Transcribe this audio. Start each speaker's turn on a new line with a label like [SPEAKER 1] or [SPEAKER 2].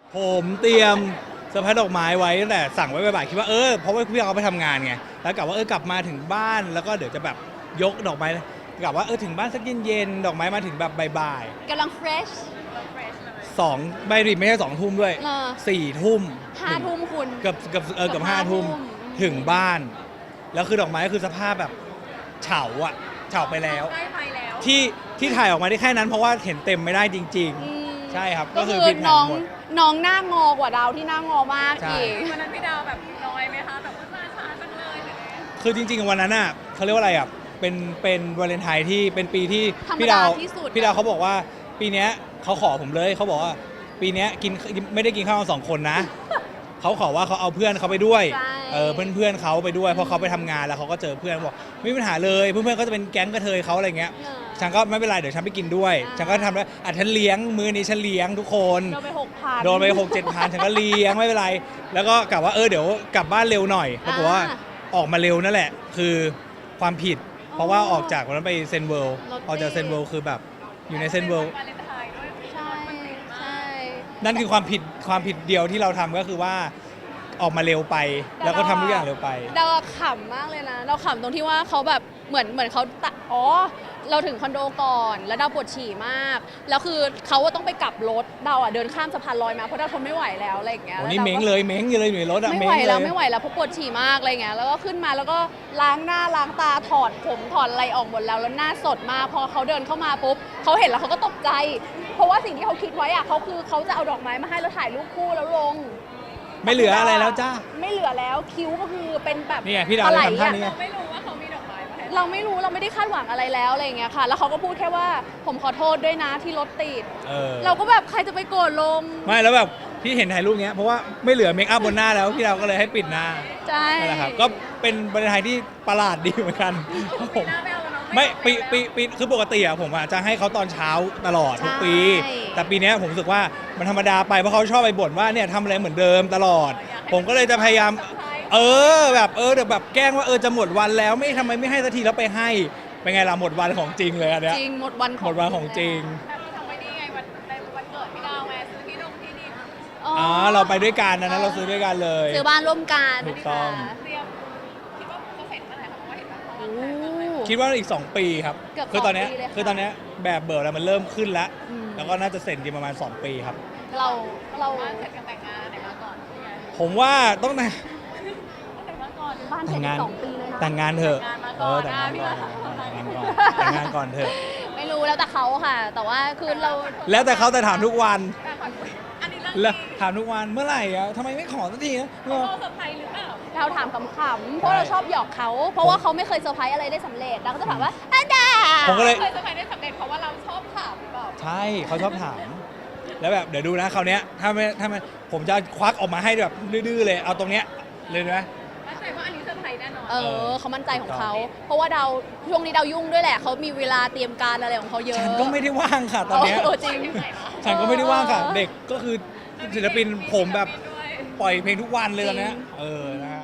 [SPEAKER 1] ผมเตรียมเซอร์ไพรส์ดอกไม้ไว้ตั้งแต่สั่งไว้บ่ายๆคิดว่าเพราะว่าพี่เขาไปทำงานไงแล้วกลับว่ากลับมาถึงบ้านแล้วก็เดี๋ยวจะแบบยกดอกไม้กลับว่าถึงบ้านสักเย็นๆดอกไม้มาถึงแบบบ่าย
[SPEAKER 2] กำลังเฟรช
[SPEAKER 1] ๆ2ไม่ดิไม่ใช่2 ทุ่มด้วย4 ทุ่ม
[SPEAKER 2] 5 ทุ่มคุณ
[SPEAKER 1] เกือบ5 ทุ่มถึงบ้านแล้วคือดอกไม้คือสภาพแบบเฉาไปแล้วที่ถ่ายออกมาได้แค่นั้นเพราะว่าเห็นเต็มไม่ได้จริงๆใช่ครับ
[SPEAKER 2] ก็คือน้องหน้างอกว่าดาวที่หน้างอมากอีก
[SPEAKER 3] วันนั้นพี่ดาวแบบน้อยไหมคะแบบว่าช้าจังเลยหรือไง
[SPEAKER 1] คือจริงๆวันนั้นอ่ะเขาเรียกว่าอะไรอ่ะเป็นวาเลนไทน์ที่เป็นปีที่พี่ดาวเขาบอกว่าปีนี้เขาขอผมเลยเขาบอกว่าปีนี้ไม่ได้กินข้าวกัน2 คนนะเขาขอว่าเขาเอาเพื่อนเขาไปด้วยเพื่อนเขาไปด้วยเพราะเขาไปทำงานแล้วเขาก็เจอเพื่อนบอกไม่มีปัญหาเลยเพื่อนๆก็จะเป็นแก๊งกระเทยเขาอะไรเงี้ยฉันก็ไม่เป็นไรเดี๋ยวฉันไปกินด้วยฉันก็ทำแล้วฉันเลี้ยงมื้อนี้ฉันเลี้ยงทุกคนโดนไป6-7 พันฉันก็เลี้ยงไม่เป็นไรแล้วก็กลับว่าเดี๋ยวกลับบ้านเร็วหน่อยปรากฏว่าออกมาเร็วนั่นแหละคือความผิดเพราะว่าออกจากวันนั้นไปเซนเวิลด์ออกจากเซนเวิลด์คือแบบอยู่ในเซนเวิลด์
[SPEAKER 2] ใช่
[SPEAKER 1] นั่นคือความผิดเดียวที่เราทำก็คือว่าออกมาเร็วไปแล้วก็ทำทุกอย่างเร็วไป
[SPEAKER 2] เราขำมากเลยนะเราขำตรงที่ว่าเขาแบบเหมือนเขาเราถึงคอนโดก่อนแล้วดาวปวดฉี่มากแล้วคือเขาต้องไปกลับรถดาวเดินข้ามสะพานลอยมาเพราะดาวทนไม่ไหวแล้วอะไรอย่างเงี้ย
[SPEAKER 1] นี่เม้งอยู่เลยอยู่ในรถ
[SPEAKER 2] ไม่ไหวแล้วเพราะปวดฉี่มากอะไรเงี้ยแล้วก็ขึ้นมาแล้วก็ล้างหน้าล้างตาถอดผมถอดอะไรออกหมดแล้วหน้าสดมากพอเขาเดินเข้ามาปุ๊บเขาเห็นแล้วเขาก็ตกใจเพราะว่าสิ่งที่เขาคิดไว้เขาจะเอาดอกไม้มาให้แล้วถ่ายรูปคู่แล้วลง
[SPEAKER 1] ไม่เหลืออะไรแล้วจ้า
[SPEAKER 2] ไม่เหลือแล้วคิ้วก็คือเป็นแบบ
[SPEAKER 1] นี่พี่ดาวทำท่านี้
[SPEAKER 3] เราไม่รู้ว่าเขามีดอกไม้มาให้
[SPEAKER 2] เราไม่รู้เราไม่ได้คาดหวังอะไรแล้วอะไรอย่างเงี้ยค่ะแล้วเขาก็พูดแค่ว่าผมขอโทษด้วยนะที่รถติดเราก็แบบใครจะไปโกรธลง
[SPEAKER 1] ไม่แล้วแบบพี่เห็นถ่ายรูปเงี้ยเพราะว่าไม่เหลือเมคอัพบนหน้าแล้วพี่ดาวก็เลยให้ปิดหน้า
[SPEAKER 2] ใช่
[SPEAKER 1] นั่นแหละครับก็เป็นบรรยากาศที่ประหลาดดีเหมือนกันผมไม่ปีคือปกติผมจะให้เขาตอนเช้าตลอดทุกปีแต่ปีนี้ผมรู้สึกว่ามันธรรมดาไปเพราะเขาชอบไปบ่นว่าเนี่ยทำอะไรเหมือนเดิมตลอดผมก็เลยจะพยายามแบบเดี๋ยวแบบแกล้งว่าจะหมดวันแล้วทำไมไม่ให้สักทีแล้วไปให้เป็นไงล่ะหมดวันของจริงเลยอันเนี้ย
[SPEAKER 2] จริงหมดวัน
[SPEAKER 1] ของจริง
[SPEAKER 3] แบบทำไว้ดีไงวันเกิดพี่ดาวไงซื้อที่ดิน
[SPEAKER 1] เราไปด้วยกันนะเราซื้อด้วยกันเลย
[SPEAKER 2] ซื้อบ้านร่วมกัน
[SPEAKER 1] ถูกต้อง
[SPEAKER 3] เตรียมคิดว่าจะเสร็จเมื่อไหร่คะเพราะว่าเห็นว่า
[SPEAKER 1] คิดว่าอีก2 ปีครับคือตอนนี้แบบเบิร์แล้วมันเริ่มขึ้นแล้วแล้วก็น่าจะเสร็จจริงประมาณ2 ปีครับ
[SPEAKER 2] เรา
[SPEAKER 3] เสร็จกันแต่งงานไหนมาก่อน
[SPEAKER 1] ผมว่าต้อง
[SPEAKER 2] บ้านเสร็จ2 ปีเลยนะ
[SPEAKER 1] แต่งงานเถอะแต่งงานก่อนเถอะ
[SPEAKER 2] ไม่รู้แล้วแต่เขาค่ะแต่ว่าคือเรา
[SPEAKER 1] แล้วแต่เขาแต่ถามทุกวันแล้วถามทุกวันเมื่อไหร่ทำไมไม่ขอสักทีนะ
[SPEAKER 3] เราเซอร์ไพรส์หรือเปล่า
[SPEAKER 2] เราถามขำๆเพราะเราชอบหยอกเขาเพราะว่าเขาไม่เคยเซอร์ไพรส์อะไรได้สำเร็จเราก็จะถามว่า
[SPEAKER 1] ผมก็เลย
[SPEAKER 3] เคยเซอร์ไพรส์ได้สำเร็จเพราะว่าเราชอบถามหรือเปล่า
[SPEAKER 1] ใช่เขาชอบถามแล้วแบบเดี๋ยวดูนะคราวนี้ถ้าไม่ผมจะควักออกมาให้แบบดื้อๆเลยเอาตรงเนี้ยเลยนะ
[SPEAKER 3] มั่นใจว่าอันนี้เซอร์ไพรส์แน่นอน
[SPEAKER 2] เขามั่นใจของเขาเพราะว่าช่วงนี้ดาวยุ่งด้วยแหละเขามีเวลาเตรียมการอะไรของเขาเยอะ
[SPEAKER 1] ฉันก็ไม่ได้ว่างค่ะตอนนี้
[SPEAKER 2] จริง
[SPEAKER 1] ฉันก็ไม่ได้ว่างค่ะเด็กก็คือศิลปินผมแบบปล่อยเพลงทุกวันเลยตอนนี้นะ